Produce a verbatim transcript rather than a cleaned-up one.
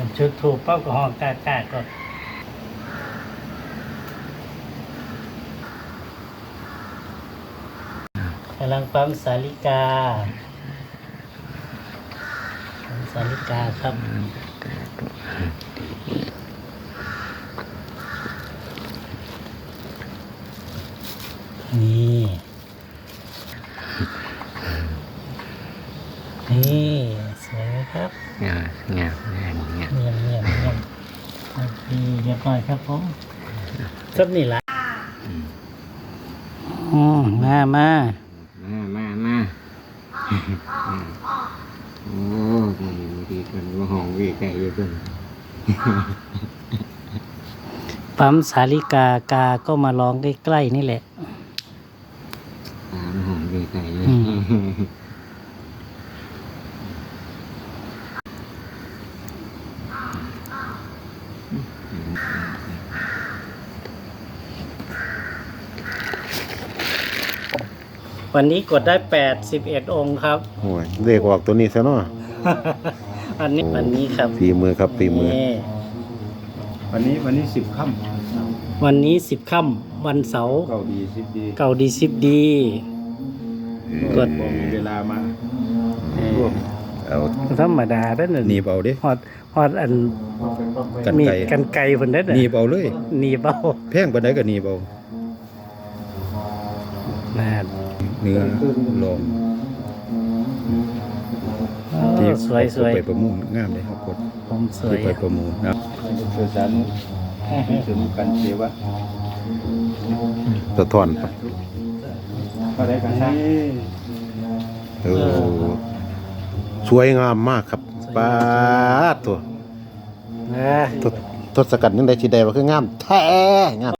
จุดถูกปั๊บก็ห้องกล้าๆก็กำลังปั๊มสาลิกาปั๊มสาลิกาครับนี่นี่สวยไหมครับงามงามงามงามเงียบเงียบเงียบดีเรียบร้อยครับผมสับนี่ละอืมมามามามามาโอ้ดีดีกันว่าห้องวีไก่เยอะเกินปั๊มสาลิกากาก็มาร้องใกล้ๆนี่แหละตามห้องวีไก่เลยอืม วันนี้กดได้แปดสิบเอ็ดองค์ครับโอ้ยเลขออกตัวนี้ซะเนาะอันนี้วันนี้ครับฝีมือครับฝีมือนี่วันนี้วันนี้สิบค่วันนี้สิบค่ำวันเสาร์ำเก่าดีสิบดีเก่าดีสิบดี กดพอมีเวลามาเอาธรรมดาได้อหนึ่งหนีบเอาดิฮอดฮอดอันกันมีไก่กันไกลเพิ่นได้อหนีบเอาเลยหนีบเอาแพงปานใดก็หนีบเอาน่าเนื้อลองโอ้สวยสวยไปประมูลงามเลยครับกดผมสวยที่ไปประมูลนะสื่อสารถึงกันเสียวะสะท้อนก็ได้กันนะเออสวยงามมากครับปาดตัวนะทศกัณฐ์ยังได้ชีใดว่าคืองามแท้งาม